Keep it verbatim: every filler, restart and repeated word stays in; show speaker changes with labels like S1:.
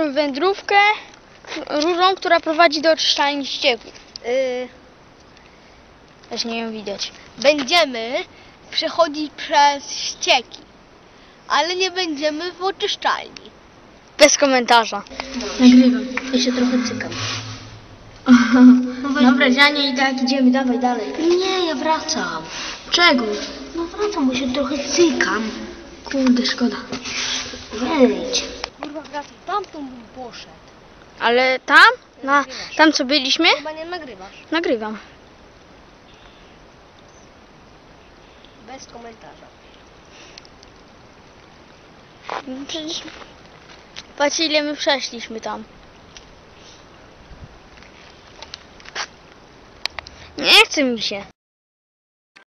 S1: naszą wędrówkę rurą, która prowadzi do oczyszczalni ścieków.
S2: Yy,
S1: Też nie ją widać.
S2: będziemy przechodzić przez ścieki, ale nie będziemy w oczyszczalni.
S1: Bez komentarza.
S3: Nagrywam. Ja się trochę cykam. Dobra, Dzianie, i tak idziemy, dawaj dalej.
S2: Nie, ja wracam.
S3: Czego?
S2: No wracam, bo się trochę cykam.
S3: Kurde, szkoda.
S2: Wejdź. Kurwa, wracam. Tamtąd bym poszedł.
S1: Ale tam? Na, tam co byliśmy?
S2: Chyba nie nagrywasz.
S1: Nagrywam.
S2: Bez komentarza.
S1: No przecież... Patrz, ile my przeszliśmy tam. Nie chce mi się.